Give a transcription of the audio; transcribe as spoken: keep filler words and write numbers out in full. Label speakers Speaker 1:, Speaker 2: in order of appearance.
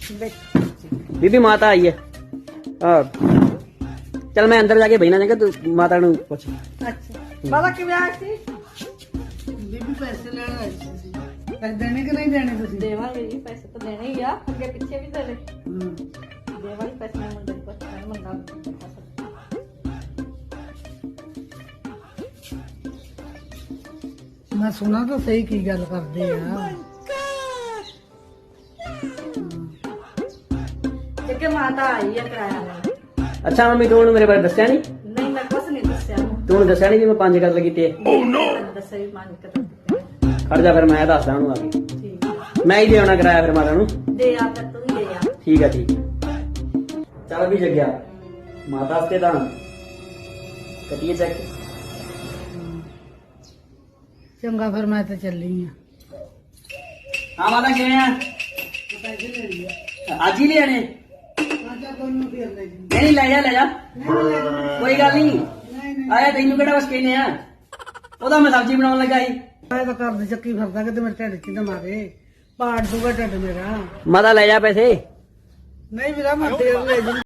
Speaker 1: बीबी माता आई है। हाँ चल मैं अंदर जाके बहना जाएगा तू माता नु पूछ।
Speaker 2: अच्छा बाबा किवें आए सी? ਬੀਬੀ ਪੈਸੇ ਲੈਣ ਆਈ ਸੀ। ਪੈਸੇ ਦੇਣੇ ਕਿ ਨਹੀਂ ਦੇਣੇ ਤੁਸੀਂ?
Speaker 3: ਦੇਵਾਂਗੇ ਜੀ ਪੈਸੇ ਤਾਂ ਦੇਣੇ ਹੀ ਆ ਅੱਗੇ ਪਿੱਛੇ ਵੀ ਦੇਣੇ
Speaker 2: ਹੂੰ
Speaker 3: ਦੇਵਾਂਗੇ ਪੈਸੇ ਮੈਂ ਮੁੰਡੇ ਨੂੰ ਪੁੱਛਣਾ ਮੰਗਾ
Speaker 2: ਮੈਂ ਸੁਣਾ ਤਾਂ ਸਹੀ ਕੀ ਗੱਲ ਕਰਦੇ ਆ।
Speaker 3: ਕਿ ਮਾਤਾ ਆਈ ਆ ਕਿਰਾਇਆ ਲੈਣ
Speaker 1: अच्छा मम्मी तू मेरे बारे दस्या नहीं?
Speaker 3: ਨਹੀਂ ਮੈਂ ਕੁਛ ਨਹੀਂ ਦੱਸਿਆ ਉਹਨੂੰ
Speaker 1: तू दस्या नहीं भी मैं पांच कतल कीते?
Speaker 3: ਮੈਨੂੰ ਦੱਸਿਆ ਵੀ ਮੰਨ ਕੇ ਤਾਂ
Speaker 1: खड़ जा फिर मैं दसदा हूं आके
Speaker 3: ਠੀਕ
Speaker 1: मैं ही दे आना कराया फिर माता नु।
Speaker 3: ਦੇ ਆ ਫਿਰ ਤੂੰ ਵੀ ਦੇ ਆ
Speaker 1: ठीक है ठीक है चल भी जग गया माता हस्ते दान कटिए चेक।
Speaker 2: ਚੰਗਾ ਫਿਰ ਮੈਂ ਤਾਂ ਚੱਲੀ ਆ।
Speaker 1: हाँ माता किवें आ?
Speaker 2: ਪੈਸੇ ਲੈ ਲਿਆ।
Speaker 1: आज ही ले आने?
Speaker 2: ਆਜਾ ਕੋਈ ਨੂੰ ਫੇਰ ਲੈ ਜੀ।
Speaker 1: नहीं नहीं ले जा ले जा कोई गल नहीं आया तेनू केड़ा बस कहने आ ओदा मैं सब्जी बनाउण लगा ही।
Speaker 2: ਮੈਂ ਤਾਂ ਘਰ ਦੀ ਚੱਕੀ ਫਿਰਦਾ ਕਿ ਤੇ ਮੇਰੇ ਢਿੱਡ 'ਚ ਨਾ ਮਾਰੇ ਪਾੜ ਦੂਗਾ ਢਿੱਡ ਮੇਰਾ।
Speaker 1: माता ले जा पैसे।
Speaker 2: ਨਹੀਂ ਵੀਰਾ ਮੈਂ ਦੇਰ ਲੈ ਜੀ।